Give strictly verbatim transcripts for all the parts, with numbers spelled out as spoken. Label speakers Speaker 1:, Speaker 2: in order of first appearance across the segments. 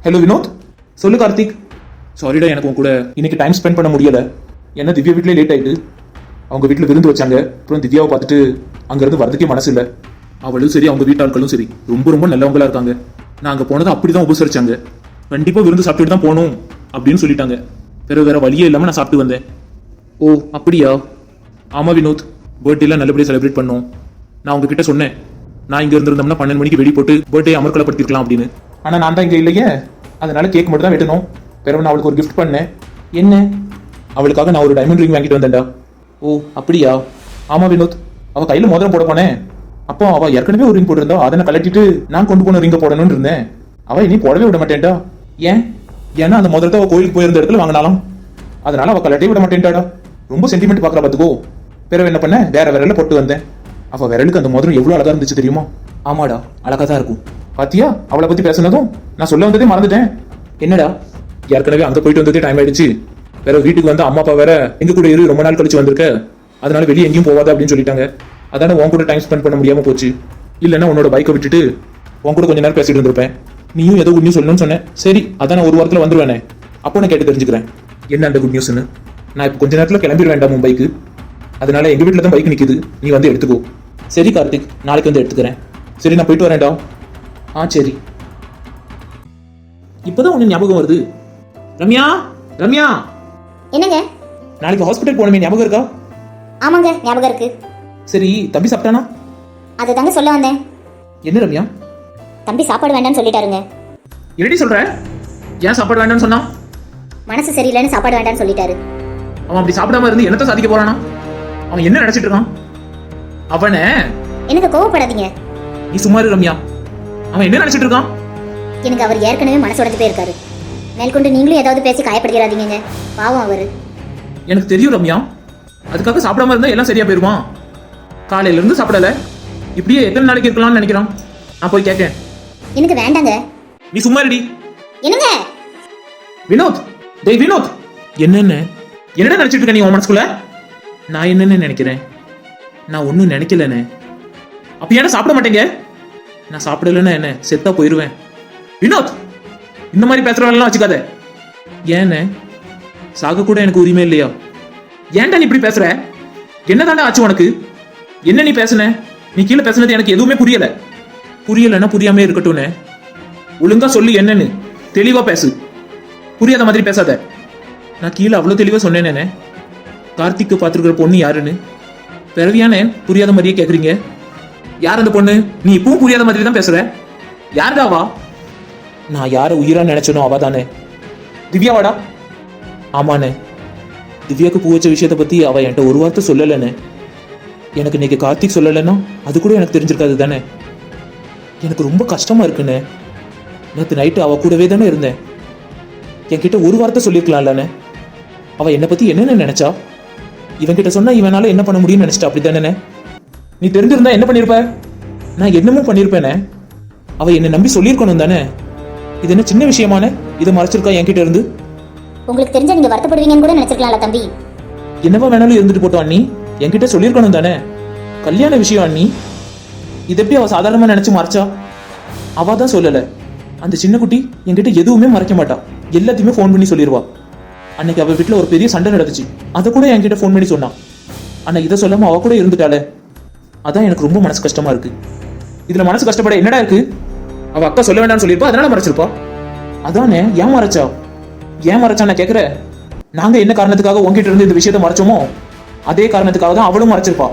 Speaker 1: Hello Vinod, சொல்லு கார்த்திக். சாரிடா, எனக்கு உன் கூட இன்னைக்கு டைம் ஸ்பெண்ட் பண்ண முடியல. ஏன்னா திவ்யா வீட்டிலே லேட் ஆயிட்டு. அவங்க வீட்டில் விருந்து வச்சாங்க. அப்புறம் திவ்யாவை பார்த்துட்டு அங்கேருந்து வரதுக்கே மனசு இல்லை. அவளும் சரி, அவங்க வீட்டாட்களும் சரி ரொம்ப ரொம்ப நல்லவங்களா இருக்காங்க. நான் அங்கே போனதை அப்படிதான் உபசரிச்சாங்க. கண்டிப்பாக விருந்து சாப்பிட்டுட்டு தான் போகணும் அப்படின்னு சொல்லிட்டாங்க. வேற வேற வழியே இல்லாமல் நான் சாப்பிட்டு வந்தேன். ஓ அப்படியா? ஆமாம் வினோத், பர்த்டேலாம் நல்லபடியாக செலிப்ரேட் பண்ணோம். நான் உங்ககிட்ட சொன்னேன், நான் இங்கே இருந்திருந்தோம்னா பன்னெண்டு மணிக்கு வெடி போட்டு பர்த்டே அமர்க்கலப்படுத்திருக்கலாம் அப்படின்னு. ஆனால் நான் தான் இங்கே இல்லையே, அதனால கேக் மட்டும் தான் வெட்டணும். பிறகு நான் அவளுக்கு ஒரு கிஃப்ட் பண்ணேன். என்ன? அவளுக்காக நான் ஒரு டைமண்ட் ரிங் வாங்கிட்டு வந்தேன்டா. ஓ அப்படியா? ஆமாம் வினோத், அவள் கையில் மோதிரம் போட போனேன். அப்போ அவள் ஏற்கனவே ஒரு ரிங் போட்டிருந்தா, அதை நான் கலட்டிட்டு நான் கொண்டு போன ரிங்கை போடணும்னு இருந்தேன். அவள் இனி போடவே விட மாட்டேன்டா. ஏன்? ஏன்னா அந்த முதலத்தை அவள் கோயிலுக்கு போயிருந்த இடத்துல வாங்கினாலும், அதனால அவள் கலட்டே விட மாட்டேன்டாடா. ரொம்ப சென்டிமெண்ட் பார்க்குறா பார்த்துக்கோ. பிறகு என்ன பண்ண, வேற விரல போட்டு வந்தேன். அவள் விரலுக்கு அந்த மோதிரம் எவ்வளோ அழகா இருந்துச்சு தெரியுமா? ஆமாடா, அழகா தான் இருக்கும். பாத்தியா, அவளை பத்தி பேசுனதும் நான் சொல்ல வந்ததே மறந்துட்டேன். என்னடா? ஏற்கனவே அங்கே போயிட்டு வந்ததே டைம் ஆயிடுச்சு. வேற வீட்டுக்கு வந்து அம்மா அப்பா வேற எங்க கூட இரு, ரொம்ப நாள் கழிச்சு வந்திருக்க, அதனால வெளியே எங்கேயும் போவாத அப்படின்னு சொல்லிட்டாங்க. அதான உன் கூட டைம் ஸ்பெண்ட் பண்ண முடியாம போச்சு. இல்லைன்னா உன்னோட பைக்கை விட்டுட்டு உன் கூட கொஞ்ச நேரம் பேசிட்டு இருந்திருப்பேன். நீயும் ஏதோ குட் நியூஸ் சொல்லணும்னு சொன்னேன். சரி, அதான் நான் ஒரு வாரத்தில் வந்துருவேனே, அப்போ நான் கேட்டு தெரிஞ்சுக்கிறேன் என்ன அந்த குட் நியூஸ்னு. நான் இப்போ கொஞ்ச நேரத்தில் கிளம்பிட வேண்டாம் மும்பைக்கு. அதனால எங்க வீட்டில் தான் பைக் நிற்குது, நீ வந்து எடுத்துக்கோ. சரி கார்த்திக், நாளைக்கு வந்து எடுத்துக்கிறேன். சரி, நான் போயிட்டு வரேன்டா. ஆ சரி. இப்போதான் உனக்கு ஞாபகம் வருது. ரம்யா, ரம்யா.
Speaker 2: என்னங்க?
Speaker 1: நாளைக்கு ஹாஸ்பிட்டல் போனமே, ஞாபகம் இருக்கா?
Speaker 2: ஆமாங்க, ஞாபகம் இருக்கு.
Speaker 1: சரி, தம்பி சாப்பிட்டானா?
Speaker 2: அதை தாங்க சொல்ல வந்தேன்.
Speaker 1: என்ன ரம்யா?
Speaker 2: தம்பி சாப்பாடு வேண்டாம்னு சொல்லிட்டாருங்க.
Speaker 1: என்னடி சொல்ற? ஏன் சாப்பாடு வேண்டாம்னு சொன்னா?
Speaker 2: மனசு சரியில்லைன்னு சாப்பாடு வேண்டாம்னு சொல்லிட்டாரு.
Speaker 1: அவன் அப்படி சாப்பிடாம இருந்து என்னத்த சாதிக்க போறானா? அவன் என்ன நினைச்சிட்டு இருக்கான்? அவனை
Speaker 2: எனக்கு கோவப்படாதீங்க.
Speaker 1: நீ சும்மா இரு ரம்யா. அவன் என்ன நினைச்சிட்டு இருக்கான்?
Speaker 2: எனக்கு அவர் ஏற்கனவே மனசு உடைஞ்சு போயிருக்காரு. மேற்கொண்டு நீங்களும் ஏதாவது பேசி காயப்படுகிறாதீங்க. பாவம் அவரு.
Speaker 1: எனக்கு தெரியும் ரம்யா, அதுக்காக சாப்பிடாம இருந்தா எல்லாம் சரியா போயிருவான். காலையில இருந்து சாப்பிடல, இப்படியே எத்தனை நாளைக்கு இருக்கலாம்னு நினைக்கிறான். நான் போய் கேட்கேன்.
Speaker 2: எனக்கு வேண்டாங்க.
Speaker 1: நீ சும்மா இருடி.
Speaker 2: என்னங்க?
Speaker 1: வினோத், டேய் வினோத். என்னன்னு என்னடா நினைச்சிட்டு இருக்க நீ உன் மனசுக்குள்ள? நான் என்னன்னு நினைக்கிறேன்? நான் ஒன்னும் நினைக்கலன்னு. அப்ப ஏன்னா சாப்பிட மாட்டேங்க? நான் சாப்பிடலன்னா என்ன, செத்தா போயிருவேன். வினோத், இந்த மாதிரி பேசுறவெல்லாம் வச்சுக்காத. ஏன்னு சாக கூட எனக்கு உரிமை இல்லையா? ஏன்டா நீ இப்படி பேசுற? என்னதாண்டா ஆச்சு உனக்கு? என்ன நீ பேசுன? நீ கீழே பேசுனது எனக்கு எதுவுமே புரியல. புரியலன்னா புரியாம இருக்கட்டும்னு ஒழுங்கா சொல்லு, என்னன்னு தெளிவா பேசு. புரியாத மாதிரி பேசாத. நான் கீழே அவ்வளவு தெளிவா சொன்னேனே, கார்த்திக்கு பார்த்துருக்கிற பொண்ணு யாருன்னு. பிறவியானே புரியாத மாதிரியே கேக்குறீங்க. யார் அந்த பொண்ணு? நீ இப்பவும் புரியாத மாதிரி தான் பேசுற. யாருடாவா? நான் யார உயிரா நினைச்சனோ அவ தானே. திவ்யாவாடா? ஆமாண்ணே. திவ்யாவுக்கு பூ வச்ச விஷயத்த பத்தி அவ என்கிட்ட ஒரு வார்த்தை சொல்லலன்னு. எனக்கு இன்னைக்கு கார்த்திக் சொல்லலைன்னா அது கூட எனக்கு தெரிஞ்சிருக்காது தானே. எனக்கு ரொம்ப கஷ்டமா இருக்குண்ணே. நேற்று நைட்டு அவ கூடவே தானே இருந்தேன். என்கிட்ட ஒரு வார்த்தை சொல்லியிருக்கலாம்லண்ணே. அவ என்னை பத்தி என்னென்ன நினைச்சா? இவன்கிட்ட சொன்னா இவனால என்ன பண்ண முடியும்னு நினைச்சிட்டா, அப்படி தானே? நீ தெரிஞ்சிருந்தா என்ன பண்ணிருப்ப? நான் என்னமோ பண்ணிருப்பேனே. அவ என்னை நம்பி சொல்லியிருக்கணும் தானே. இது என்ன சின்ன விஷயமான இதை மறைச்சிருக்கா என்கிட்ட இருந்து?
Speaker 2: உங்களுக்கு தெரிஞ்சா நீங்க வருத்தப்படுவீங்கன்னு கூட நினைச்சிருக்கலாம்ல தம்பி.
Speaker 1: என்னவா வேணாலும் இருந்துட்டு போட்டோம் அண்ணி, என்கிட்ட சொல்லியிருக்கணும் தானே. கல்யாண விஷயம் அண்ணி, இது எப்படி அவ சாதாரணமா நினைச்சு மறைச்சா? அவ தான் சொல்லல. அந்த சின்ன குட்டி என்கிட்ட எதுவுமே மறைக்க மாட்டா, எல்லாத்தையுமே ஃபோன் பண்ணி சொல்லிடுவா. அன்னைக்கு அவ வீட்டுல ஒரு பெரிய சண்டை நடந்துச்சு, அதை கூட என்கிட்ட ஃபோன் பண்ணி சொன்னான். ஆனா இதை சொல்லாம அவ கூட இருந்துட்டாளே, அதான் எனக்கு ரொம்ப மனசு கஷ்டமா இருக்கு. இதுல மனசு கஷ்டப்பட என்னடா இருக்கு? அவ அக்கா சொல்ல வேண்டாம்னு சொல்லியிருப்பா, அதனால மறைச்சிருப்பா. அதானே, ஏன் மறைச்சா? ஏன் மறைச்சா நான் கேக்குறேன். நாங்க என்ன காரணத்துக்காக உங்ககிட்ட இருந்து இந்த விஷயத்த மறைச்சோமோ அதே காரணத்துக்காக தான் அவளும் மறைச்சிருப்பா.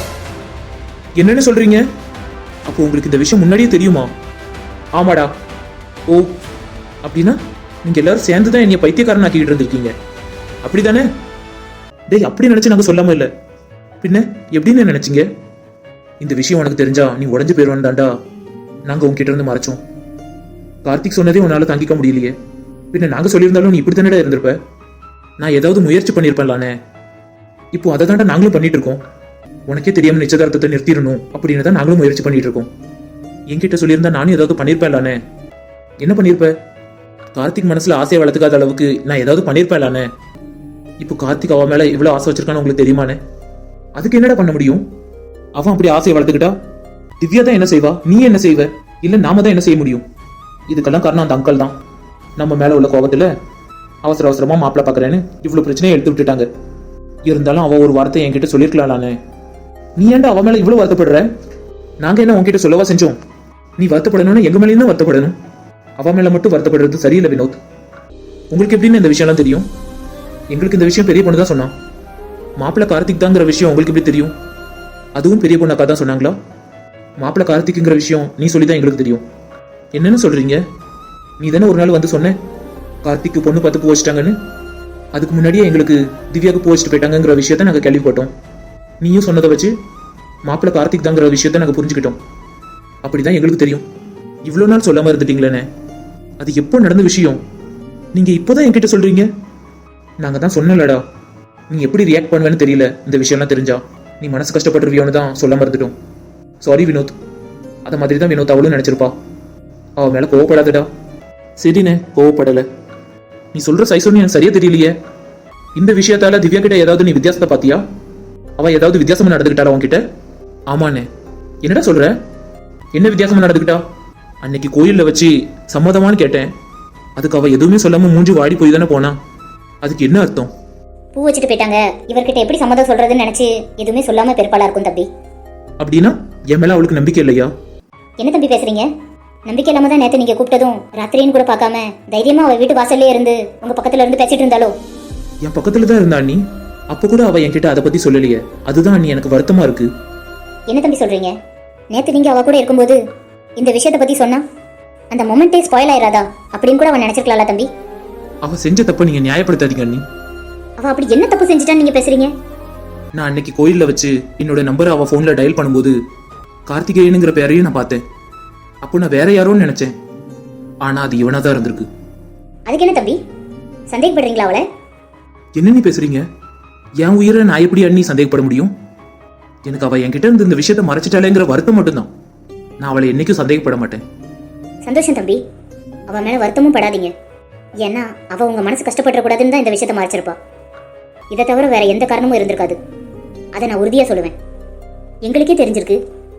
Speaker 1: என்னன்னு சொல்றீங்க? அப்போ உங்களுக்கு இந்த விஷயம் முன்னாடியே தெரியுமா? ஆமாடா. ஓ, அப்படின்னா நீங்க எல்லாரும் சேர்ந்துதான் என்னைய பைத்தியக்காரன் ஆக்கிட்டு இருந்திருக்கீங்க, அப்படிதானே? டேய், அப்படி நினைச்சு நாங்க சொல்லாம இல்ல. பின்ன எப்படின்னு நினைச்சீங்க? இந்த விஷயம் உனக்கு தெரிஞ்சா நீ உடஞ்சு போயிருவான் தாண்டா நாங்க உங்ககிட்ட இருந்து மறைச்சோம். கார்த்திக் சொன்னதே உன்னால தாங்கிக்க முடியலையே, பின்ன நாங்க சொல்லியிருந்தாலும் நீ இப்படி தானடா இருந்திருப்ப. நான் ஏதாவது முயற்சி பண்ணிருப்பேன்லானே. இப்போ அதை தாண்டா நாங்களும் பண்ணிட்டு இருக்கோம். உனக்கே தெரியாம நிச்சயதார்த்தத்தை நிறுத்திடணும் அப்படின்னு தான் நாங்களும் முயற்சி பண்ணிட்டு இருக்கோம். என்கிட்ட சொல்லியிருந்தா நானும் ஏதாவது பண்ணிருப்பேன்லானே. என்ன பண்ணிருப்ப? கார்த்திக் மனசுல ஆசையை வளர்த்துக்காத அளவுக்கு நான் ஏதாவது பண்ணிருப்பேன்லானே. இப்போ கார்த்திக் அவன் மேல இவ்வளவு ஆசை வச்சிருக்கான்னு உங்களுக்கு தெரியுமானே. அதுக்கு என்னடா பண்ண முடியும்? அவன் அப்படி ஆசையை வளர்த்துக்கிட்டா திவ்யா தான் என்ன செய்வா, நீ என்ன செய்வ? இல்ல நாம தான் என்ன செய்ய முடியும்? இதுக்கெல்லாம் காரணம் அந்த அங்கிள் தான். நம்ம மேல உள்ள கோபத்துல அவசர அவசரமா மாப்பிள்ள பாக்குறேன்னு இவ்வளவு பிரச்சனையை எடுத்து விட்டுட்டாங்க. இருந்தாலும் அவ ஒரு வார்த்தை என்கிட்ட சொல்லிருக்கலாம்லானே. நீ ஏன்டா அவ மேல இவ்வளவு வருத்தப்படுற? நாங்க என்ன உன்கிட்ட சொல்லவா செஞ்சோம்? நீ வருத்தப்படணும்னு எங்க மேலேயும் தான் வருத்தப்படணும். அவ மேல மட்டும் வருத்தப்படுறது சரியில்லை வினோத். உங்களுக்கு எப்படின்னு இந்த விஷயம்லாம் தெரியும்? எங்களுக்கு இந்த விஷயம் பெரிய பொண்ணு தான் சொன்னான். மாப்பிள்ள கார்த்திக் தாங்கிற விஷயம் உங்களுக்கு எப்படி தெரியும்? அதுவும் பெரிய பொண்ணு அக்கா தான் சொன்னாங்களா? மாப்பிள்ள கார்த்திக்ங்கிற விஷயம் நீ சொல்லிதான் எங்களுக்கு தெரியும். என்னன்னு சொல்றீங்க? நீ தானே ஒரு நாள் வந்து சொன்ன கார்த்திக்கு பொண்ணு பார்த்து பூ வச்சிட்டாங்கன்னு. அதுக்கு முன்னாடியே எங்களுக்கு திவ்யாவுக்கு பூ வச்சுட்டு போயிட்டாங்கிற விஷயத்த நாங்கள் கேள்விப்பட்டோம். நீயும் சொன்னதை வச்சு மாப்பிள்ள கார்த்திக் தாங்கிற விஷயத்த நாங்கள் புரிஞ்சுக்கிட்டோம். அப்படிதான் எங்களுக்கு தெரியும். இவ்வளோ நாள் சொல்லாம இருந்துட்டீங்களேண்ணே. அது எப்போ நடந்த விஷயம்? நீங்க இப்போதான் என்கிட்ட சொல்றீங்க. நாங்க தான் சொன்னலடா, நீ எப்படி ரியாக்ட் பண்ணுவேன்னு தெரியல. இந்த விஷயம்லாம் தெரிஞ்சா நீ மனசு கஷ்டப்பட்டுருவியோன்னு தான் சொல்லாம இருந்துட்டோம். சாரி வினோத். அதை மாதிரி தான் வினோத் அவளும் நினைச்சிருப்பா. அவ மேல கோவப்படாதடா. சரிண்ணே, கோவப்படல. நீ சொல்ற சைசோன்னு எனக்கு சரியா தெரியலையே. இந்த விஷயத்தால திவ்யா கிட்ட ஏதாவது நீ வித்தியாசத்தை பாத்தியா? அவ ஏதாவது வித்தியாசமா நடந்துக்கிட்டாரா உன்கிட்ட? ஆமாண்ணே. என்னடா சொல்ற? என்ன வித்தியாசமா நடந்துக்கிட்டா? அன்னைக்கு கோயில்ல வச்சு சம்மதமானு கேட்டேன். அதுக்கு அவ எதுவுமே சொல்லாம மூஞ்சி வாடி போய் தானே போனா. அதுக்கு என்ன அர்த்தம்?
Speaker 2: பூ வச்சுட்டு போயிட்டாங்க, இவர்கிட்ட எப்படி சம்மதம் சொல்றதுன்னு நினைச்சு எதுவுமே சொல்லாம பெருப்பாளா இருக்கும் தம்பி.
Speaker 1: அப்படின்னா என் மேல அவளுக்கு நம்பிக்கை இல்லையா?
Speaker 2: என்ன தம்பி பேசுறீங்க? நம்பிக்கை இல்லாம தான் நேத்து நீங்க கூப்பிட்டதும் ராத்திரின்னு கூட பார்க்காம தைரியமா அவ வீட்டு வாசல்லே இருந்து உங்க பக்கத்துல இருந்து பேசிட்டு இருந்தாலோ?
Speaker 1: என் பக்கத்துல தான் இருந்தா அண்ணி. அப்ப கூட அவ என்கிட்ட அதை பத்தி சொல்லலையே. அதுதான் அண்ணி எனக்கு வருத்தமா இருக்கு.
Speaker 2: என்ன தம்பி சொல்றீங்க? நேத்து நீங்க அவ கூட இருக்கும்போது இந்த விஷயத்தை பத்தி சொன்னா அந்த மொமெண்டே ஸ்பாயில் ஆயிராதா அப்படின்னு கூட அவன் நினைச்சிருக்கலாம்ல தம்பி.
Speaker 1: அவ செஞ்ச தப்ப நீங்க நியாயப்படுத்தாதீங்க அண்ணி.
Speaker 2: அவ அப்படி என்ன தப்பு செஞ்சுட்டான்னு நீங்க பேசுறீங்க?
Speaker 1: நான் அன்னைக்கு கோயில்ல வச்சு என்னோட நம்பரை அவ போன்ல டயல் பண்ணும்போது கார்த்திகேயனுங்கிற பேரையும் நான் பார்த்தேன். அப்போ நான் வேற யாரோன்னு நினைச்சேன். ஆனா அது இவனா தான் இருந்திருக்கு.
Speaker 2: அதுக்கு என்ன தம்பி சந்தேகப்படுறீங்களா அவளை?
Speaker 1: என்ன நீ பேசுறீங்க? என் உயிரை நான் எப்படி அண்ணி சந்தேகப்பட முடியும்? எனக்கு அவ என்கிட்ட இருந்து இந்த விஷயத்த மறைச்சிட்டாலேங்கிற வருத்தம் மட்டும்தான். நான் அவளை என்னைக்கும் சந்தேகப்பட மாட்டேன்.
Speaker 2: சந்தோஷம் தம்பி, அவ மேல வருத்தமும் படாதீங்க. ஏன்னா அவ உங்க மனசு கஷ்டப்பட கூடாதுன்னு தான் இந்த விஷயத்த மறைச்சிருப்பா. இதை தவிர வேற எந்த காரணமும் இருந்திருக்காது. அதை நான் உறுதியா சொல்லுவேன். எங்களுக்கே தெரிஞ்சிருக்கு.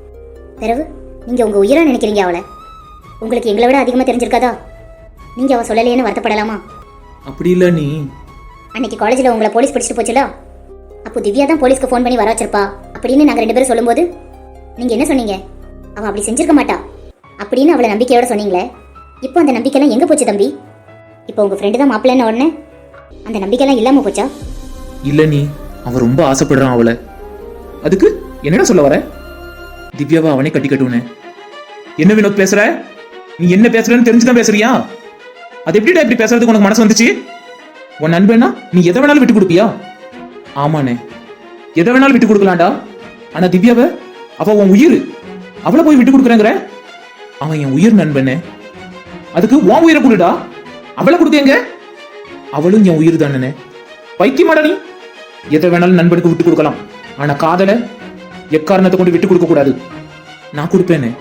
Speaker 2: பிறகு நீங்க உங்க உயிரா நினைக்கிறீங்க அவளை. உங்களுக்கு எங்களை விட அதிகமா தெரிஞ்சிருக்காதா? நீங்க அவ சொல்லலையேன்னு வருத்தப்படலாமா?
Speaker 1: அப்படி இல்ல நீ.
Speaker 2: அன்னைக்கு காலேஜ்ல உங்களை போலீஸ் பிடிச்சிட்டு போச்சுல, அப்போ திவ்யா தான் போலீஸ்க்கு ஃபோன் பண்ணி வர வச்சிருப்பா அப்படின்னு நாங்க ரெண்டு பேரும் சொல்லும்போது நீங்க என்ன சொன்னீங்க? அவ அப்படி செஞ்சிருக்க மாட்டா அப்படின்னு அவளை நம்பிக்கையோட சொன்னீங்களே. இப்போ அந்த நம்பிக்கைலாம் எங்க போச்சு தம்பி? இப்போ உங்க ஃப்ரெண்டு தான் மாப்பிள்ளைன்னு உடனே அந்த நம்பிக்கைலாம் இல்லாம போச்சா?
Speaker 1: இல்ல நீ, அவன் ரொம்ப ஆசைப்படுறான் அவளை. அதுக்கு என்னடா சொல்ல வர? திவ்யாவை அவனே கட்டி கட்டுவனே. என்ன வினோத் பேசுற? நீ என்ன பேசுறன்னு தெரிஞ்சுதான் பேசுறியா? அது எப்படிடா இப்படி பேசுறதுக்கு உனக்கு மனசு வந்துச்சு? உன் நண்பனா நீ எதை வேணாலும் விட்டு கொடுப்பியா? ஆமாண்ணே, எதை வேணாலும் விட்டு கொடுக்கலாம்டா. ஆனா திவ்யாவை, அவ உன் உயிர், அவளை போய் விட்டு கொடுக்குறேங்கிற? அவன் என் உயிர் நண்பனே. அதுக்கு உன் உயிரை கொடுடா. அவளை கொடுக்கங்க. அவளும் என் உயிர் தானே. பைத்தியமாடா நீ. எதை வேணாலும் நண்பனுக்கு விட்டு கொடுக்கலாம். ஆனா காதலை எக்காரணத்தை கொண்டு விட்டு கொடுக்க கூடாது. நான் கொடுப்பேனே.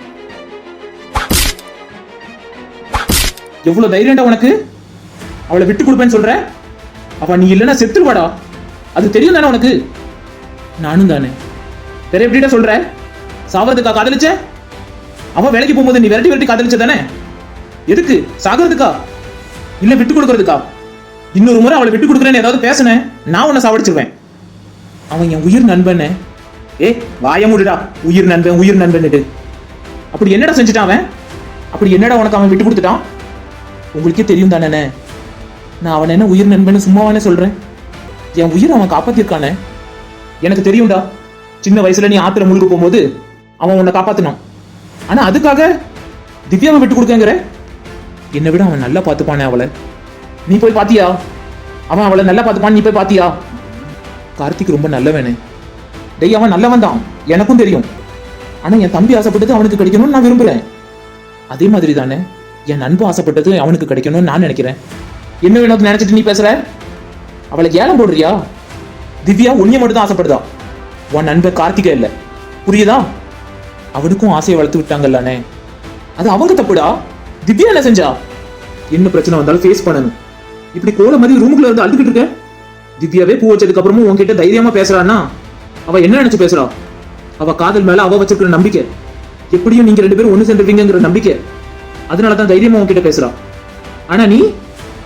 Speaker 1: எவ்வளவு தைரியம்டா உனக்கு? அவளை விட்டு கொடுப்பேன்னு சொல்ற? அவ நீ இல்லைன்னா செத்துருவாடா. அது தெரியும் தானே உனக்கு? நானும் தானே. வேற எப்படிடா சொல்ற? சாவறதுக்கா காதலிச்ச? அவ வேலைக்கு போகும்போது நீ விரட்டி விரட்டி காதலிச்ச தானே? எதுக்கு? சாகிறதுக்கா இல்ல விட்டு கொடுக்கறதுக்கா? இன்னொரு முறை அவளை விட்டு கொடுக்குறேன்னு ஏதாவது பேசுனேன், நான் உன்னை சாவடிச்சிருவேன். அவன் என் உயிர் நண்பன். ஏ வாய மூடுடா. உயிர் நண்பன் உயிர் நண்பன்னுட்டு அப்படி என்னடா செஞ்சுட்டான் அவன்? அப்படி என்னடா உனக்கு அவன் விட்டு கொடுத்துட்டான்? உங்களுக்கே தெரியும் தானே. நான் அவன் என்ன உயிர் நண்பன் சும்மாவானே சொல்றேன். என் உயிர் அவன் காப்பாத்திருக்கானே. எனக்கு தெரியும்டா. சின்ன வயசுல நீ ஆத்திர முழுக்க போகும்போது அவன் உன்னை காப்பாத்தினான். ஆனா அதுக்காக திவ்யாவை விட்டு கொடுக்கங்கிற? என்னை விட அவன் நல்லா பார்த்துப்பானே அவளை. நீ போய் பாத்தியா? அவன் அவளை நல்லா பார்த்துப்பான், நீ போய் பாத்தியா? கார்த்திக் ரொம்ப நல்லவனே. டேய் அவன் நல்லவன் தான், எனக்கும் தெரியும். ஆனா என் தம்பி ஆசைப்பட்டது அவனுக்கு கிடைக்கணும்னு நான் விரும்புறேன். அதே மாதிரி தானே என் நண்பு ஆசைப்பட்டது அவனுக்கு கிடைக்கணும்னு நான் நினைக்கிறேன். என்ன வேணும் நினைச்சிட்டு நீ பேசுற? அவளை ஏலம் போடுறியா? திவ்யா உன்னைய மட்டும் தான் ஆசைப்படுதா. உன் நண்பர் கார்த்திகா இல்ல, புரியுதா? அவனுக்கும் ஆசையை வளர்த்து விட்டாங்கல்லானே. அது அவங்க தப்புடா. திவ்யா என்ன செஞ்சா? என்ன பிரச்சனை வந்தாலும் ஃபேஸ் பண்ணணும். இப்படி கோல மாதிரி ரூமுக்குள்ள இருந்து அழுதுகிட்டு இருக்க. திவ்யாவே பூ வச்சதுக்கு அப்புறமும் உன்கிட்ட தைரியமா பேசுறான்னா அவ என்ன நினைச்சு பேசுறா? அவ காதல் மேல அவ வச்சிருக்கிற நம்பிக்கை, எப்படியும் நீங்க ரெண்டு பேரும் ஒண்ணு சேர்ந்துருவீங்கிற நம்பிக்கை. அதனாலதான் தைரியமா உன்கிட்ட பேசுறா. ஆனா நீ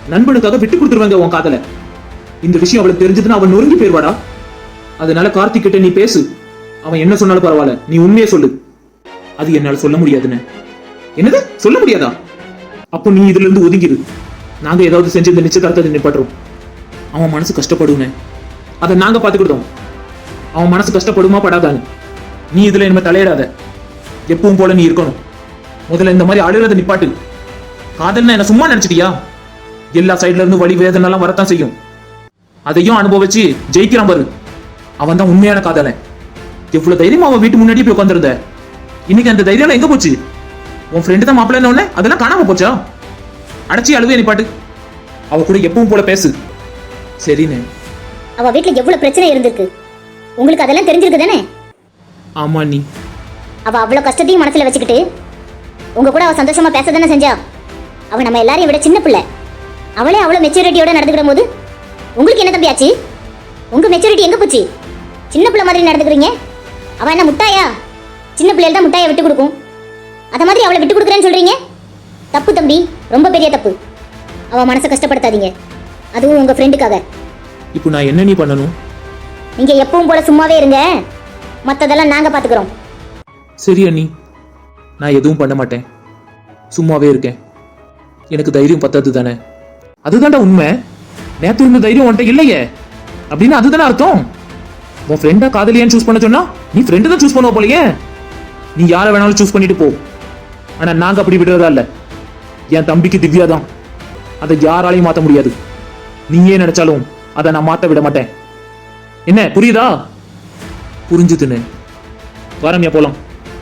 Speaker 1: நண்பனுக்காக விட்டு கொடுத்துருவாங்க உன் காதல. இந்த விஷயம் அவளுக்கு தெரிஞ்சதுன்னா அவன் நொறுங்கி போயிருவாடா. அதனால கார்த்திக் கிட்ட நீ பேசு. அவன் என்ன சொன்னாலும் பரவாயில்ல, நீ உண்மையே சொல்லு. அது என்னால சொல்ல முடியாதுன்னு. என்னது சொல்ல முடியாதா? அப்போ நீ இதுல இருந்து ஒதுங்கிடு. நாங்க ஏதாவது செஞ்சு இந்த நிச்சயதார்த்தத்தை நிப்பாட்டுறோம். அவன் மனசு கஷ்டப்படுன்னு அதை நாங்க பாத்துக்கிட்டோம். அவன் மனசு கஷ்டப்படுமா படாதான்னு நீ இதுல என்ன தலையிடாத. எப்பவும் போல நீ இருக்கணும். முதல்ல இந்த மாதிரி அழுகிறத நிப்பாட்டு. காதல்னா என்ன சும்மா நினைச்சிட்டியா? எல்லா சைட்ல இருந்து வலி வேதனை எல்லாம் வரத்தான் செய்யும். அதையும் அனுபவிச்சு ஜெயிக்கிறான் பாரு, அவன் தான் உண்மையான காதலன். எவ்வளவு தைரியமா அவன் வீட்டு முன்னாடி போய் உட்காந்துருந்த. இன்னைக்கு அந்த தைரியம் எங்க போச்சு? உன் ஃப்ரெண்டு தான் மாப்பிள்ளை உடனே அதெல்லாம் காணாம போச்சா? அடைச்சி அழுவே நிப்பாட்டு. அவ கூட எப்பவும் போல பேசு. சரின்னு.
Speaker 2: அவ வீட்டுல எவ்வளவு பிரச்சனை இருந்திருக்கு, உங்களுக்கு அதெல்லாம் தெரிஞ்சிருக்கு தானே?
Speaker 1: ஆமா நீ.
Speaker 2: அவ அவ்வளவு கஷ்டத்தையும் மனசுல வச்சுக்கிட்டு உங்க கூட அவ சந்தோஷமா பேச தானே செஞ்சா. அவ நம்ம எல்லாரையும் விட சின்ன பிள்ளை. அவளே அவ்வளவு மெச்சூரிட்டியோட நடந்துக்கிற போது உங்களுக்கு என்ன தம்பி ஆச்சு? உங்க மெச்சூரிட்டி எங்க போச்சு? சின்ன பிள்ளை மாதிரி நடந்துக்கிறீங்க. அவ என்ன முட்டாயா? சின்ன பிள்ளைகள் தான் முட்டாயை விட்டு கொடுக்கும். அத மாதிரி அவளை விட்டு கொடுக்குறேன்னு சொல்றீங்க. தப்பு தம்பி, ரொம்ப பெரிய தப்பு. அவ மனசை கஷ்டப்படுத்தாதீங்க, அதுவும் உங்க ஃப்ரெண்டுக்காக.
Speaker 1: இப்போ நான் என்ன நீ பண்ணணும்?
Speaker 2: நீங்க எப்பவும் போல சும்மாவே இருங்க, மத்ததெல்லாம் நாங்க பாத்துக்கிறோம்.
Speaker 1: சரி அண்ணி, நான் எதுவும் பண்ண மாட்டேன், சும்மாவே இருக்கேன். எனக்கு தைரியம் பத்தாது தானே? அதுதான்டா உண்மை. நேத்து இருந்த தைரியம் உன்ட்ட இல்லையே அப்படின்னு அதுதானே அர்த்தம். உன் ஃப்ரெண்டா காதலியான்னு சூஸ் பண்ண சொன்னா நீ ஃப்ரெண்டு தான் சூஸ் பண்ணுவ போலயே. நீ யாரை வேணாலும் சூஸ் பண்ணிட்டு போ. ஆனா நாங்க அப்படி விடுறதா இல்ல. என் தம்பிக்கு திவ்யா தான், அதை யாராலையும் மாத்த முடியாது. நீயே நினைச்சாலும் அதை நான் மாத்த விட மாட்டேன். என்ன புரியுதா? புரிஞ்சுதுன்னு வாரம்யா போலாம்.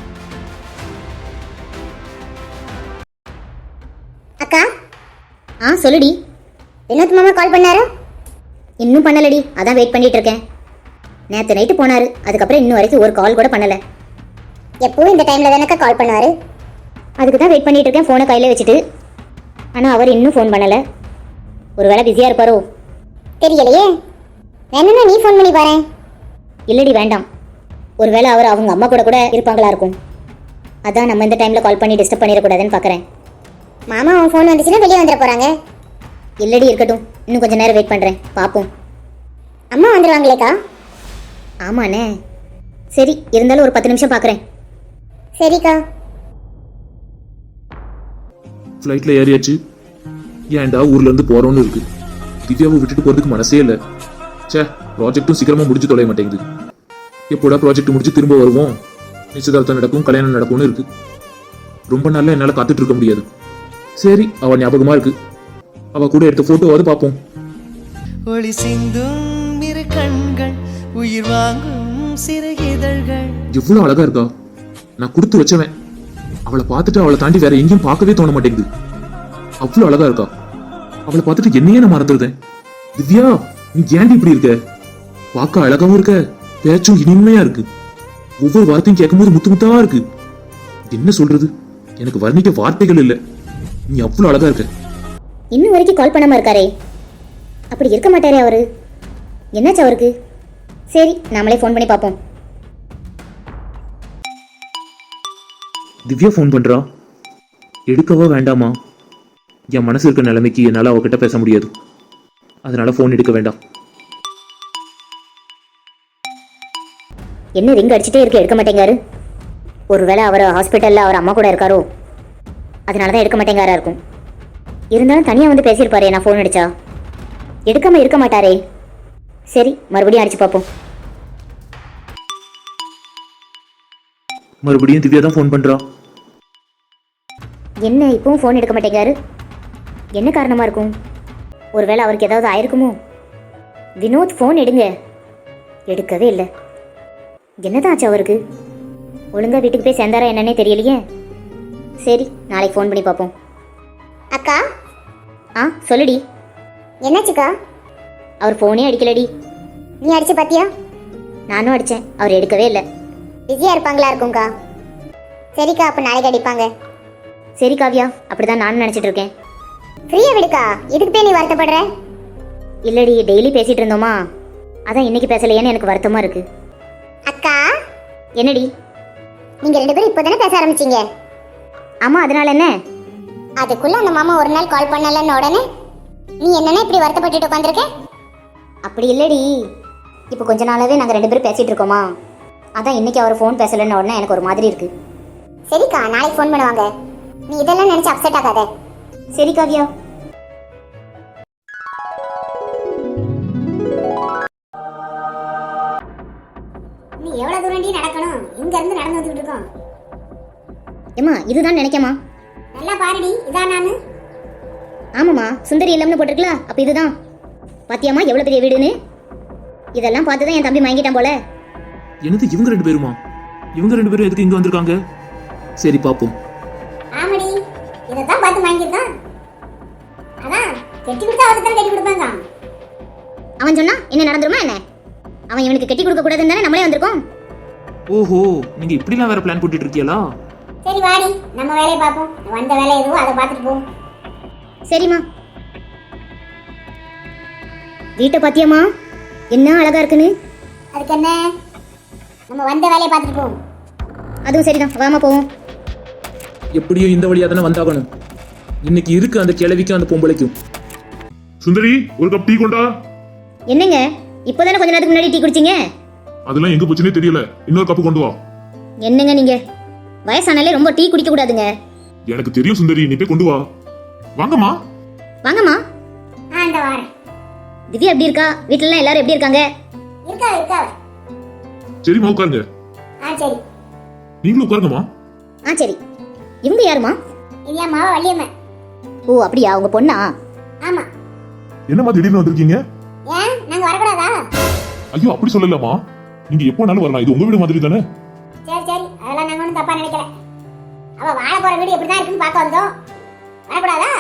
Speaker 2: அக்கா. ஆ சொல்லுடி. வினோத் மாமா கால் பண்ணாரா? இன்னும் பண்ணலடி, அதான் வெயிட் பண்ணிட்டு இருக்கேன். நேற்று நைட்டு போனாரு, அதுக்கப்புறம் இன்னும் வரைக்கும் ஒரு கால் கூட பண்ணல. எப்பவும் இந்த டைம்ல தானக்கா கால் பண்ணுவாரு. அதுக்கு தான் வெயிட் பண்ணிட்டு இருக்கேன் ஃபோனை கையில வச்சுட்டு. ஆனால் அவர் இன்னும் ஃபோன் பண்ணல. ஒருவேளை பிஸியாக இருப்பாரோ தெரியலையே. வேணும்னா நீ ஃபோன் பண்ணி பாரு. இல்லடி வேண்டாம், ஒருவேளை அவர் அவங்க அம்மா கூட கூட இருப்பாங்களா இருக்கும். அதான் நம்ம இந்த டைம்ல கால் பண்ணி டிஸ்டர்ப் பண்ணிடக்கூடாதுன்னு பார்க்குறேன். மாமா அவன் ஃபோன் வந்துச்சுன்னா வெளியே வந்துட போறாங்க. இல்லடி இருக்கட்டும், இன்னும் கொஞ்சம் நேரம் வெயிட் பண்ணுறேன், பார்ப்போம். அம்மா வந்துடுவாங்களேக்கா? ஆமாண்ணே. சரி, இருந்தாலும் ஒரு பத்து நிமிஷம் பார்க்குறேன். சரிக்கா.
Speaker 1: ஃப்ளைட்ல ஏறியாச்சு. ஏன்டா ஊர்ல இருந்து போறோம்னு இருக்கு. திவ்யாவை விட்டுட்டு போறதுக்கு மனசே இல்லை. சே, ப்ராஜெக்டும் சீக்கிரமா முடிஞ்சு தொலைய மாட்டேங்குது. எப்போடா ப்ராஜெக்ட் முடிச்சு திரும்ப வருவோம், நிச்சயதார்த்தம் நடக்கும், கல்யாணம் நடக்கும்னு இருக்கு. ரொம்ப நாள்ல என்னால காத்துட்டு இருக்க முடியாது. சரி, அவ ஞாபகமா இருக்கு, அவ கூட எடுத்த போட்டோவாவது பார்ப்போம்.
Speaker 3: ஒளி சிந்தும் இரு கண்கள், உயிர் வாங்கும் சிறு இதழ்கள்.
Speaker 1: எவ்வளவு அழகா இருக்கா. நான் கொடுத்து வச்சவன். அவளை பார்த்துட்டு அவளை தாண்டி வேற எங்கேயும் பார்க்கவே தோண மாட்டேங்குது. அவ்வளவு அழகா இருக்கா. அவளை பார்த்துட்டு என்னையே நான் மறந்துடுறேன். திவ்யா, நீ ஏன்டி இப்படி இருக்க? பார்க்க அழகாவும் இருக்க, பேச்சும் இனிமையா இருக்கு. ஒவ்வொரு வார்த்தையும் கேட்கும்போது முத்து முத்தா இருக்கு. என்ன சொல்றது, எனக்கு வர்ணிக்க வார்த்தைகள் இல்லை. நீ அவ்வளவு அழகா இருக்க.
Speaker 2: இன்னும் வரைக்கும் கால் பண்ணாம இருக்காரே, அப்படி இருக்க மாட்டாரே அவரு. என்னாச்சு அவருக்கு? சரி, நாமளே ஃபோன் பண்ணி பார்ப்போம்.
Speaker 1: திவ்யா ஃபோன் பண்றா. எடுக்கவா வேண்டாமா? என் மனசு இருக்க நிலைமைக்கு என்னால அவகிட்ட பேச முடியாது. அதனால ஃபோன் எடுக்க வேண்டாம்.
Speaker 2: என்ன ரிங் அடிச்சுட்டே இருக்கு, எடுக்க மாட்டேங்காரு. ஒருவேளை அவர் ஹாஸ்பிட்டல்ல அவர் அம்மா கூட இருக்காரோ, அதனாலதான் எடுக்க மாட்டேங்காரா இருக்கும். இருந்தாலும் தனியா வந்து பேசியிருப்பாரே நான் ஃபோன் அடிச்சா. எடுக்காம இருக்க மாட்டாரே. சரி, மறுபடியும் அடிச்சு பார்ப்போம்.
Speaker 1: மறுபடியும் திவ்யா தான் ஃபோன் பண்றா.
Speaker 2: என்ன இப்பவும் ஃபோன் எடுக்க மாட்டேங்காரு? என்ன காரணமா இருக்கும்? ஒருவேளை அவருக்கு ஏதாவது ஆயிருக்குமோ? வினோத் ஃபோன் எடுங்க. எடுக்கவே இல்லை. என்னதான் ஆச்சு அவருக்கு? ஒழுங்கா வீட்டுக்கு போய் சேர்ந்தாரா என்னன்னே தெரியலையே. சரி, நாளைக்கு ஃபோன் பண்ணி பார்ப்போம். அக்கா. ஆ சொல்லுடி. என்னாச்சுக்கா? அவர் ஃபோனே அடிக்கலடி. நீ அடிச்சு பாத்தியா? நானும் அடிச்சேன், அவர் எடுக்கவே இல்லை. பிஸியா இருப்பாங்களா இருக்கும்க்கா. சரிக்கா, அப்ப நாளைக்கு அடிப்பாங்க. சரி காவ்யா, அப்படிதான் நானும் நினைச்சிட்டு இருக்கேன். ஃப்ரீயா விடுக்கா, இதுக்கு போய் நீ வருத்தப்படுற? இல்லடி, டெய்லி பேசிட்டு இருந்தோமா, அதான் இன்னைக்கு பேசலையேன்னு எனக்கு வருத்தமா இருக்கு. அக்கா. என்னடி? நீங்க ரெண்டு பேரும் இப்போதானே பேச ஆரம்பிச்சீங்க. ஆமா, அதனால என்ன? அதுக்குள்ள அந்த மாமா ஒரு நாள் கால் பண்ணலன்னு உடனே நீ என்னன்னா இப்படி வருத்தப்பட்டுட்டு உட்காந்துருக்க? அப்படி இல்லடி, இப்போ கொஞ்ச நாளாவே நாங்கள் ரெண்டு பேரும் பேசிட்டு இருக்கோமா, அதான் இன்னைக்கு அவர் ஃபோன் பேசலன்னு உடனே எனக்கு ஒரு மாதிரி இருக்கு. சரிக்கா, நாளைக்கு ஃபோன் பண்ணுவாங்க. நீ இதெல்லாம் நினைச்சு அப்செட் ஆகாத. சரி காவியா. நீ எவ்வளவு தூரம் நடக்கணும்? இங்க இருந்து நடந்து வந்துட்டு இருக்கோம். ஏமா இதுதான் நினைக்கமா? நல்லா பாருடி, இதான் நானு. ஆமாம்மா, சுந்தரி இல்லம்னு போட்டிருக்கல, அப்ப இதுதான். பாத்தியாமா எவ்வளவு பெரிய வீடுன்னு? இதெல்லாம் பார்த்துதான் என் தம்பி மயங்கிட்டான் போல.
Speaker 1: என்னது இவங்க ரெண்டு பேருமா? இவங்க ரெண்டு பேரும் எதுக்கு இங்க வந்திருக்காங்க? சரி பாப்போம்.
Speaker 2: ஆமாடி, இதத்தான் பார்த்து மயங்கிட்டான். அதான் கெட்டி கொடுத்தா அவருக்கு தான் கெட்டி கொடுப்பாங்க. அவன் சொன்னா என்ன நடந்துருமா என்ன? அவன் இவனுக்கு கெட்டி கொடுக்க கூடாதுன்னு தானே நம்மளே வந்திருக்கோம்.
Speaker 1: ஓஹோ, நீங்க இப்படிலாம் வேற பிளான் போட்டுட்டு இருக்கீங்களா?
Speaker 2: சரி வாடி, நம்ம வேலையை பார்ப்போம். வந்த வேலை எதுவோ அதை பார்த்துட்டு போவோம். சரிம்மா. வீட்டை பாத்தியாமா என்ன அழகா இருக்குன்னு? அதுக்கு என்ன, நம்ம வந்த வேலையை பார்த்துட்டு போவோம். அதுவும் சரிதான், வாமா போவோம்.
Speaker 1: எப்படியோ இந்த வழியா தானே வந்தாகணும். இன்னைக்கு இருக்கு அந்த கிழவிக்கும் அந்த பொம்பளைக்கும்.
Speaker 4: சுந்தரி, ஒரு கப் டீ கொண்டா.
Speaker 2: என்னங்க இப்போதானே கொஞ்ச நேரத்துக்கு முன்னாடி டீ குடிச்சீங்க?
Speaker 4: அதெல்லாம் எங்க போச்சுன்னே தெரியல. இன்னொரு கப்பு கொண்டு வா.
Speaker 2: என்னங்க நீங்க வயசானாலே ரொம்ப டீ குடிக்க கூடாதுங்க.
Speaker 4: எனக்கு தெரியும் சுந்தரி, நீ போய் கொண்டு வா. வாங்கம்மா.
Speaker 2: வாங்கம்மா. ஆ இந்த வாரேன். திவ்யா எப்படி இருக்கா? வீட்ல எல்லாம் எல்லாரும் எப்படி இருக்காங்க? இருக்கா இருக்கா.
Speaker 4: சரிம்மா, உட்காருங்க.
Speaker 2: ஆ சரி.
Speaker 4: நீங்களும் உட்காருங்கம்மா.
Speaker 2: ஆ சரி. இவங்க யாருமா? இது என் மாவ வள்ளியம்மா. ஓ அப்படியா, உங்க பொண்ணா? ஆமா.
Speaker 4: என்னம்மா திடீர்னு வந்திருக்கீங்க?
Speaker 2: ஏன் நாங்க வரக்கூடாதா?
Speaker 4: ஐயோ அப்படி சொல்லலம்மா, நீங்க எப்போனாலும் வரலாம். இது உங்க வீடு மாதிரி தானே.
Speaker 2: சரி சரி, அதெல்லாம் நாங்க ஒன்றும் தப்பா நினைக்கல. அவ வாழ போற வீடு எப்படிதான் இருக்குன்னு பார்க்க வந்தோம். வரக்கூடாதா?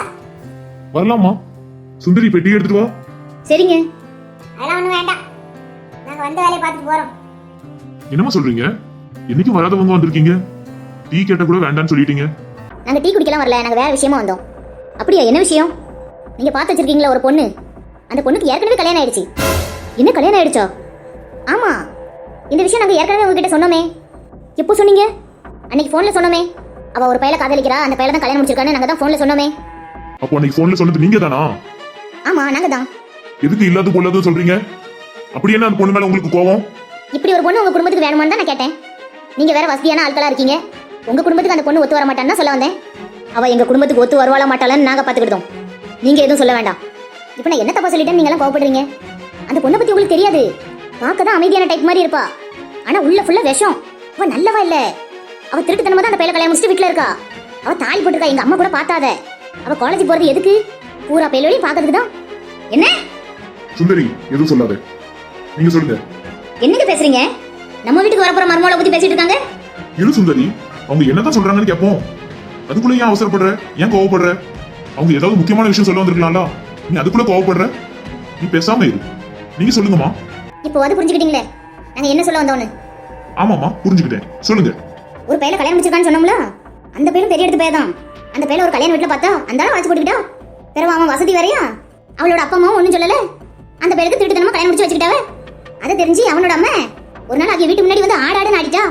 Speaker 4: வரலாமா. சுந்தரி, போய் டீ எடுத்துட்டு வா.
Speaker 2: சரிங்க. அதெல்லாம் ஒன்றும் வேண்டாம், நாங்க வந்த வேலையை பார்த்துட்டு போறோம்.
Speaker 4: என்னம்மா சொல்றீங்க? என்னைக்கும் வராதவங்க வந்திருக்கீங்க, டீ கேட்ட கூட வேண்டாம்னு சொல்லிட்டீங்க.
Speaker 2: நாங்க டீ குடிக்கலாம் வரல, நாங்க வேற விஷயமா வந்தோம். அப்படியா, என்ன விஷயம்? நீங்க பார்த்து வச்சிருக்கீங்களா ஒரு பொண்ணு, அந்த பொண்ணுக்கு ஏற்கனவே கல்யாணம் ஆயிடுச்சு. என்ன கல்யாணம் ஆயிடுச்சா? ஆமா, இந்த விஷயம் நாங்க ஏற்கனவே உங்ககிட்ட சொன்னோமே. எப்போ சொன்னீங்க? அன்னைக்கு போன்ல சொன்னோமே. அவ ஒரு பையல காதலிக்கிறா, அந்த பையல தான் கல்யாணம் முடிச்சிருக்கான்னு நாங்க தான் போன்ல சொன்னோமே.
Speaker 4: அப்போ அன்னைக்கு போன்ல சொன்னது நீங்க தானா?
Speaker 2: ஆமா நாங்க தான்.
Speaker 4: எதுக்கு இல்லாத பொல்லாத சொல்றீங்க? அப்படி என்ன அந்த பொண்ணு மேல உங்களுக்கு கோவம்?
Speaker 2: இப்படி ஒரு பொண்ணு உங்க குடும்பத்துக்கு வேணுமான்னு தான் நான் கேட்டேன். நீங்க வேற வசதியான ஆட்களா இருக்கீங்க, உங்க குடும்பத்துக்கு அந்த பொண்ணு ஒத்து வர மாட்டான்னு சொல்ல வந்தேன். அவ எங்க குடும்பத்துக்கு ஒத்து வருவாளா மாட்டாளான்னு நாங்க பாத்துக்கிட்டோம். நீங்க எதுவும் சொல்ல வேண்டாம். இப்போ நான் என்ன தப்பா சொல்லிட்டேன்னு நீங்க எல்லாம் கோவப்படுறீங்க? அந்த பொண்ணை பத்தி உங்களுக்கு தெரியாது. பார்க்க தான் அமைதியான டைப் மாதிரி இருப்பா, ஆனா உள்ள ஃபுல்லா விஷம். அவ நல்லவா இல்ல, அவ திருட்டுத்தனமா தான் அந்த பையல கல்யாணம் முடிச்சுட்டு வீட்டுல இருக்கா. அவ தாலி போட்டுருக்கா, எங்க அம்மா கூட பார்த்தாத. அவ காலேஜ் போறது எதுக்கு? பூரா பையலோடையும் பாக்குறதுக்கு தான். என்ன
Speaker 4: சுந்தரி, எதுவும் சொல்லாத. நீங்க சொல்லுங்க.
Speaker 2: என்னங்க பேசுறீங்க? நம்ம வீட்டுக்கு வரப்போற மருமகளை பத்தி பேசிட்டு இருக்காங்க.
Speaker 4: இரு சுந்தரி, அவங்க என்னதான் சொல்றாங்கன்னு கேட்போம். அதுக்குள்ள ஏன் அவசரப்படுற? ஏன் கோவப்படுற? அவங்க ஏதாவது முக்கியமான விஷயம் சொல்ல வந்திருக்கலாம்ல, நீ அதுக்குள்ள கோவப்படுற? நீ பேசாம இரு. நீங்க சொல்லுங்கம்மா.
Speaker 2: இப்போ அது புரிஞ்சுக்கிட்டீங்களே நாங்க என்ன சொல்ல வந்தோம்னு?
Speaker 4: ஆமாம்மா, புரிஞ்சுக்கிட்டேன். சொல்லுங்க.
Speaker 2: ஒரு பையல கல்யாணம் முடிச்சிருக்கான்னு சொன்னோம்ல, அந்த பையனும் பெரிய எடுத்து பையன் தான். அந்த பையல ஒரு கல்யாண வீட்டுல பார்த்தா அந்த ஆளை வச்சு போட்டுக்கிட்டா. பிறகு அவன் வசதி வரையா, அவளோட அப்பா அம்மாவும் ஒன்றும் சொல்லல. அந்த பையலுக்கு திருட்டுத்தனமா கல்யாணம் முடிச்சு வச்சுக்கிட்டாவ. அதை தெரிஞ்சு அவனோட அம்மா ஒரு நாள் அவங்க வீட்டு முன்னாடி வந்து ஆடாடுன்னு ஆடிட்டா.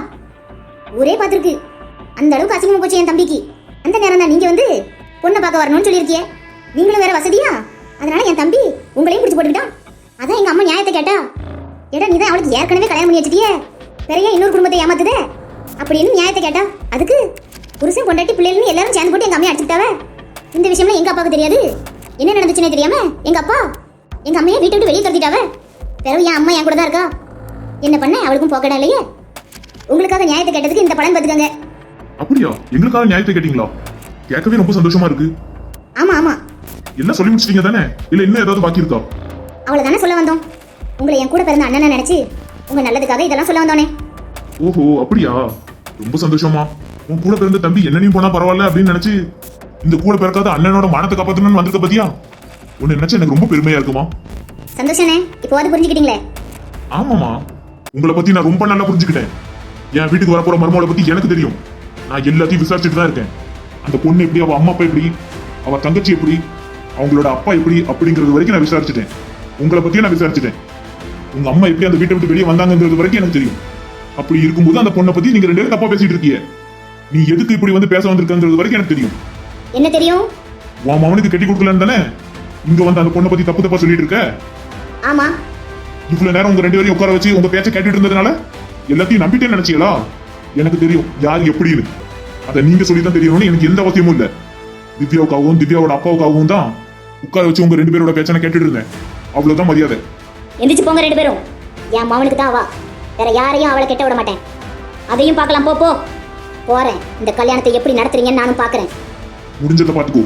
Speaker 2: ஊரே பார்த்துருக்கு. அந்த அளவுக்கு அசிங்கமா போச்சு என் தம்பிக்கு. அந்த நேரம் தான் நீங்க வந்து பொண்ணை பார்க்க வரணும்னு சொல்லியிருக்கிய. நீங்களும் வேற வசதியா, அதனால என் தம்பி உங்களையும் பிடிச்சு போட்டுக்கிட்டான். அதான் எங்க அம்மா நியாயத்தை கேட்டா. ஏடா நீ தான் அவளுக்கு ஏற்கனவே கல்யாணம் பண்ணி வச்சுட்டியே, பெரிய இன்னொரு குடும்பத்தை ஏமாத்துதே அப்படின்னு நியாயத்தை கேட்டா. அதுக்கு புருஷன் பொண்டாட்டி பிள்ளைன்னு எல்லாரும் சேர்ந்து போட்டு எங்க அம்மையை அடிச்சுட்டாவ. இந்த விஷயம்லாம் எங்க அப்பாவுக்கு தெரியாது. என்ன நடந்துச்சுன்னே தெரியாம எங்க அப்பா எங்க அம்மையை வீட்டை விட்டு வெளியே துரத்திட்டாவ. பிறகு என் அம்மா என் கூட தான் இருக்கா. என்ன பண்ண அவளுக்கும் போக்கடா இல்லையே. உங்களுக்காக நியாயத்தை கேட்டதுக்கு இந்த படம் பார்த்துக்கங்க.
Speaker 4: அப்படியா? எங்களுக்காக நியாயத்தை கேட்டீங்களா? கேட்கவே ரொம்ப சந்தோஷமா இருக்கு.
Speaker 2: ஆமா ஆமா.
Speaker 4: என்ன சொல்லி முடிச்சிட்டீங்க தானே? இல்ல இன்னும் ஏதாவது பாக்கி இருக்கா?
Speaker 2: அவளை தானே சொல்ல வந்தோம். உங்களை என் கூட பிறந்த அண்ணனை நினைச்சு உங்க நல்லதுக்காக இதெல்லாம் சொல்ல வந்தோனே.
Speaker 4: ஓஹோ அப்படியா? ரொம்ப சந்தோஷமா. உன் கூட பிறந்த தம்பி என்னனையும் போனா பரவாயில்ல அப்படின்னு நினைச்சு இந்த கூட பிறக்காத அண்ணனோட மானத்தை காப்பாத்தணும்னு வந்திருக்க பத்தியா? உன்னை நினைச்சு எனக்கு ரொம்ப பெருமையா இருக்குமா.
Speaker 2: சந்தோஷனே, இப்போ அது புரிஞ்சுக்கிட்டீங்களே.
Speaker 4: ஆமாமா, உங்களை பத்தி நான் ரொம்ப நல்லா புரிஞ்சுக்கிட்டேன். என் வீட்டுக்கு வரப்போற மருமகளை பத்தி எனக்கு தெரியும். நான் எல்லாத்தையும் விசாரிச்சுட்டு தான் இருக்கேன். அந்த பொண்ணு எப்படி, அவ அம்மா அப்பா எப்படி, அவ தங்கச்சி எப்படி, அவங்களோட அப்பா எப்படி அப்படிங்கிறது வரைக்கும் நான் விசாரிச்சுட்டேன். உங்களை பத்தியும் நான் விசாரிச்சுட்டேன். உங்க அம்மா எப்படி அந்த வீட்டை விட்டு வெளியே வந்தாங்கிறது வரைக்கும் எனக்கு தெரியும். அப்படி இருக்கும்போது அந்த பொண்ணை பத்தி நீங்க ரெண்டு பேரும் தப்பா பேசிட்டு இருக்கீங்க. நீ எதுக்கு இப்படி வந்து பேச வந்திருக்கிறது வரைக்கும் எனக்கு தெரியும்.
Speaker 2: என்ன தெரியும்?
Speaker 4: உன் மவனுக்கு கட்டி கொடுக்கலன்னு தானே இங்க வந்து அந்த பொண்ணை பத்தி தப்பு தப்பா சொல்லிட்டு இருக்க.
Speaker 2: ஆமா,
Speaker 4: இவ்வளவு நேரம் உங்க ரெண்டு பேரையும் உட்கார வச்சு உங்க பேச்ச கேட்டுட்டு இருந்ததுனால எல்லாத்தையும் நம்பிட்டே நினைச்சீங்களா? எனக்கு தெரியும் யார் எப்படின்னு. அதை நீங்க சொல்லி தான் தெரியணும்னு எனக்கு எந்த அவசியமும் இல்ல. திவ்யாவுக்காகவும் திவ்யாவோட அப்பாவுக்காகவும் தான் உட்கார வச்சு உங்க ரெண்டு பேரோட பேச்சனை கேட்டுட்டு இருந்தேன். அவ்வளவுதான் மரியாதை.
Speaker 2: எந்திரிச்சு போங்க ரெண்டு பேரும். என் மவனுக்கு தான் அவா, வேற யாரையும் அவளை கெட்ட விட மாட்டேன். அதையும் பார்க்கலாம். போ போ போறேன். இந்த கல்யாணத்தை எப்படி நடத்துறீங்கன்னு நானும் பாக்குறேன்.
Speaker 4: முடிஞ்சதை பாத்துக்கோ.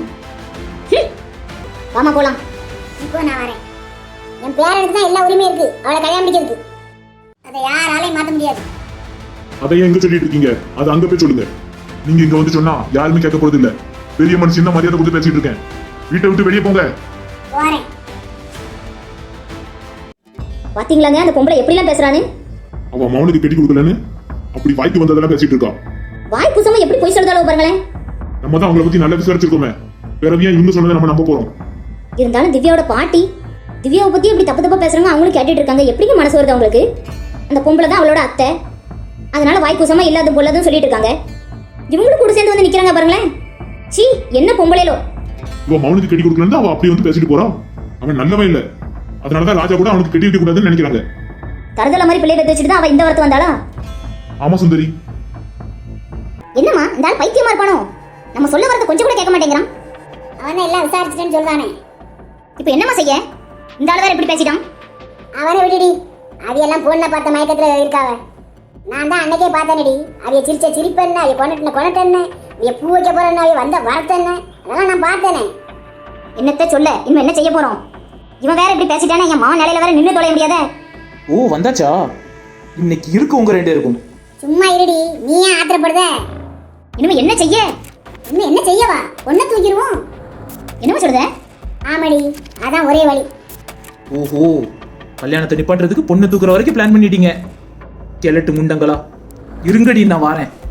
Speaker 2: வாமா போலாம். இப்போ நான் வரேன். என் பேரனுக்கு தான் எல்லா உரிமையும் இருக்கு அவளை கல்யாணம் பண்ணிக்கிறதுக்கு. அதை யாராலையும் மாத்த முடியாது.
Speaker 4: அதை ஏன் எங்க சொல்லிட்டு இருக்கீங்க? அது அங்க போய் சொல்லுங்க. நீங்க இங்க வந்து சொன்னா யாருமே கேட்க போறது இல்ல. பெரிய மனுஷன் தான் மரியாதை கொடுத்து பேசிட்டு இருக்கேன். வீட்டை விட்டு வெளியே போங்க.
Speaker 2: போறேன். பாத்தீங்களாங்க அந்த பொம்பளை எப்படிலாம் பேசுறானு?
Speaker 4: அவன் மௌனுக்கு கட்டி கொடுக்கலன்னு அப்படி வாய்க்கு வந்ததெல்லாம் பேசிட்டு இருக்கா.
Speaker 2: வாய் புசமா எப்படி போய் சொல்றதாலும் பாருங்களேன்.
Speaker 4: நம்ம தான் அவங்கள பத்தி நல்லா விசாரிச்சிருக்கோமே. பிறவியா இவங்க சொன்னதை நம்ம நம்ப போறோம்.
Speaker 2: இருந்தாலும் திவ்யாவோட பாட்டி திவ்யாவை பத்தி எப்படி தப்பு தப்பா பேசுறாங்க அவங்களும் கேட்டுட்டு இருக்காங்க. எப்படிங்க மனசு வருது அவங்களுக்கு? அந்த பொம்பளை தான் அவளோட அத்தை, அதனால வாய் குசமா இல்லாத பொல்லாதுன்னு சொல்லிட்டு இருக்காங்க. இவங்களும் கூட சேர்ந்து வந்து நிக்கிறாங்க பாருங்களேன். சீ, என்ன பொம்பளையோ.
Speaker 4: இவன் மௌனுக்கு கட்டி கொடுக்கலன்னு அவன் அப்படி வந்து பேசிட்டு போறான். அவன் நல்லவன் இல்ல. அதனாலதான் ராஜா கூட அவனுக்கு கட்டி வைக்க கூடாதுன்னு நினைக்கிறாங்க.
Speaker 2: தரதல மாதிரி பிள்ளை பெற்று வச்சுட்டு தான் அவ இந்த வரத்து வந்தாளா?
Speaker 4: ஆமா சுந்தரி.
Speaker 2: என்னம்மா இந்த ஆள் பைத்தியமா இருப்பானோ? நம்ம சொல்ல வரத கொஞ்சம் கூட கேட்க மாட்டேங்கிறான். அவனை எல்லாம் விசாரிச்சுட்டேன்னு சொல்றானே. இப்போ என்னம்மா செய்ய? இந்த ஆள் வேற இப்படி பேசிட்டான். அவனை விடுடி. அதையெல்லாம் பொண்ணை பார்த்த மயக்கத்துல இருக்காவ. நான் தான் அன்னைக்கே பார்த்தேனடி. அவைய சிரிச்ச சிரிப்பு என்ன, அவைய கொண்டுட்டு கொண்டுட்டு என்ன, அவைய பூ வைக்க போறேன்னு, அவைய வந்த வரத்து என்ன, அதெல்லாம் நான் பார்த்தேனே. என்னத்த சொல்ல? இன்னும் என்ன செய்ய போறோம்? இவன் வேற இப்படி பேசிட்டானே. என் மாவன் நிலையில வேற நின்று தொலைய முடியாத.
Speaker 1: ஓ வந்தாச்சா? இன்னைக்கு இருக்கு உங்க ரெண்டு இருக்கும்.
Speaker 2: சும்மா இருடி. நீ ஏன் ஆத்திரப்படுத? இனிமே என்ன செய்ய? இன்னும் என்ன செய்யவா? ஒன்ன தூக்கிடுவோம். என்னமா சொல்றத? ஆமாடி, அதான் ஒரே வழி.
Speaker 1: ஓஹோ, கல்யாணத்தை நிப்பாட்டுறதுக்கு பொண்ணு தூக்குற வரைக்கும் பிளான் பண்ணிட்டீங்க. கிழட்டு முண்டங்களா, இருங்கடி நான் வாரேன்.